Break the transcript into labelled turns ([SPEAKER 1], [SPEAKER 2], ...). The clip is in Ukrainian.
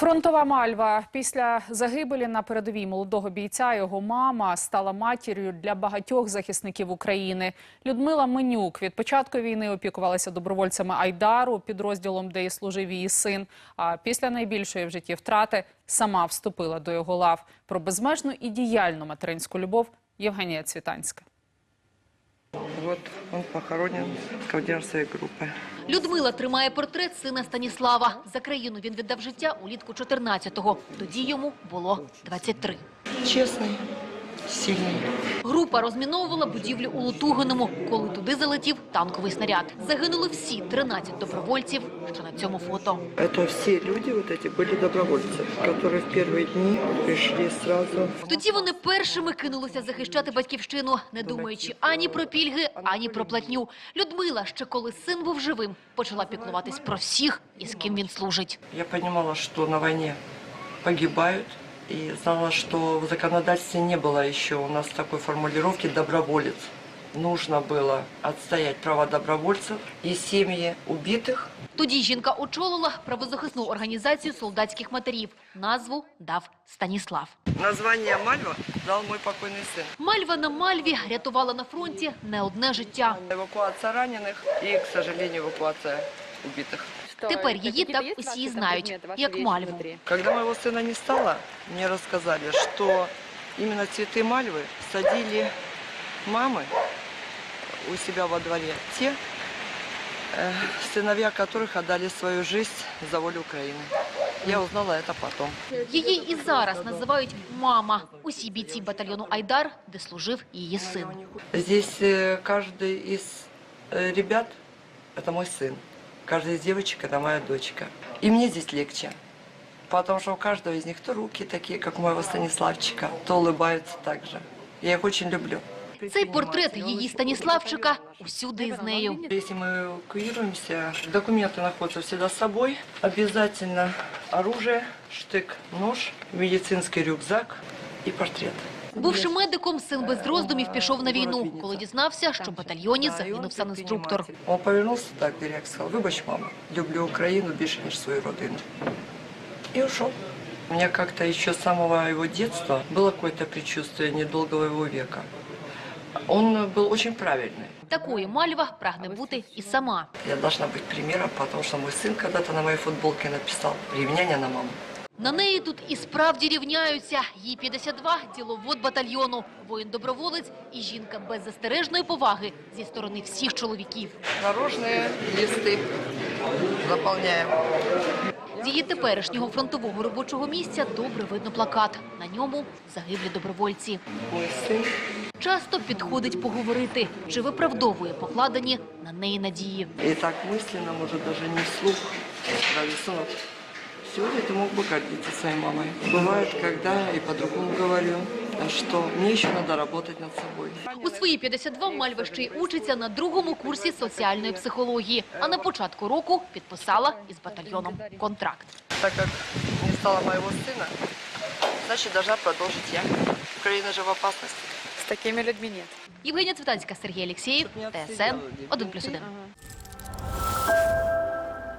[SPEAKER 1] Фронтова Мальва. Після загибелі на передовій молодого бійця його мама стала матір'ю для багатьох захисників України. Людмила Менюк від початку війни опікувалася добровольцями Айдару, підрозділом, де і служив її син. А після найбільшої в житті втрати сама вступила до його лав. Про безмежну і діяльну материнську любов Євгенія Цвітанська.
[SPEAKER 2] Вот он похоронен, командир своей группы.
[SPEAKER 3] Людмила тримає портрет сина Станіслава. За країну він віддав життя улітку 14-го. Тоді йому було 23.
[SPEAKER 2] Честный, сильный.
[SPEAKER 3] Група розміновувала будівлю у Лутугиному, коли туди залетів танковий снаряд. Загинули всі 13 добровольців, що на цьому фото.
[SPEAKER 2] Это все люди вот эти были добровольцы, которые в первые дни пришли сразу.
[SPEAKER 3] Тоді вони першими кинулися захищати батьківщину, не думаючи ані про пільги, ані про платню. Людмила, ще коли син був живим, почала піклуватись про всіх, із ким він служить.
[SPEAKER 2] Я понимала, что на войне погибают, и знала, что в законодательстве не было еще у нас такой формулировки «доброволец». Нужно было отстоять права добровольцев и семьи убитых.
[SPEAKER 3] Тоді жінка очолила правозахисну організацію солдатських матерів. Назву дав Станіслав.
[SPEAKER 2] Название «Мальва» дал мой покойный сын.
[SPEAKER 3] Мальва на Мальві рятувала на фронті не одне життя.
[SPEAKER 2] Эвакуация раненых и, к сожалению, эвакуация убитых.
[SPEAKER 3] Тепер її так усі знають, як Мальву.
[SPEAKER 2] Когда моего сына не стало, мне рассказали, что именно цветы мальвы садили мамы у себя во дворе. Те, сыновья которых отдали свою жизнь за волю Украины. Я узнала это потом.
[SPEAKER 3] Її і зараз називають «мама». Усі бійці батальйону «Айдар», де служив її син.
[SPEAKER 2] Здесь каждый из ребят – это мой сын. Каждая из девочек – это моя дочка. И мне здесь легче, потому что у каждого из них то руки такие, как у моего Станиславчика, то улыбаются так же. Я их очень люблю.
[SPEAKER 3] Цей портрет її Станіславчика усюди із нею.
[SPEAKER 2] Если мы эвакуируемся, документы находятся всегда с собой. Обязательно оружие, штык, нож, медицинский рюкзак и портрет.
[SPEAKER 3] Бувши медиком, син без роздумів пішов на війну, коли дізнався, що в батальйоні загинув санінструктор.
[SPEAKER 2] Он повернулся так, директ сказал: «Выбачь, мама, люблю Украину больше, ніж свою родину». И ушел. У меня как-то еще с самого его детства было какое-то предчувствие недолгого его века. Он был очень правильный.
[SPEAKER 3] Такою Мальва прагне бути і сама.
[SPEAKER 2] Я должна быть примером, потому что мой сын когда-то на моей футболке написал «Ревняня на маму».
[SPEAKER 3] На неї тут і справді рівняються. Їй 52, діловод батальйону, воїн-доброволець і жінка без застережної поваги зі сторони всіх чоловіків.
[SPEAKER 2] Дорожные листы заполняем.
[SPEAKER 3] З її теперішнього фронтового робочого місця добре видно плакат. На ньому загиблі добровольці.
[SPEAKER 2] Мой сын.
[SPEAKER 3] Часто підходить поговорити, чи виправдовує покладені на неї надії.
[SPEAKER 2] И так мысленно, может, даже не вслух. Говорю: сынок, сегодня ты мог бы гордиться своей мамой. Бывает, когда я и по-другому говорю, что мне еще надо работать над собой.
[SPEAKER 3] У свої 52 Мальва ще й учиться на другому курсі соціальної психології, а на початку року підписала із батальйоном контракт.
[SPEAKER 2] Так как не стало моего сына, значит, должна продолжить я. Украина же в опасности.
[SPEAKER 4] С такими людьми нет.
[SPEAKER 3] Євгенія Цвітанська, Сергій Алєксєєв, ТСН 1+1.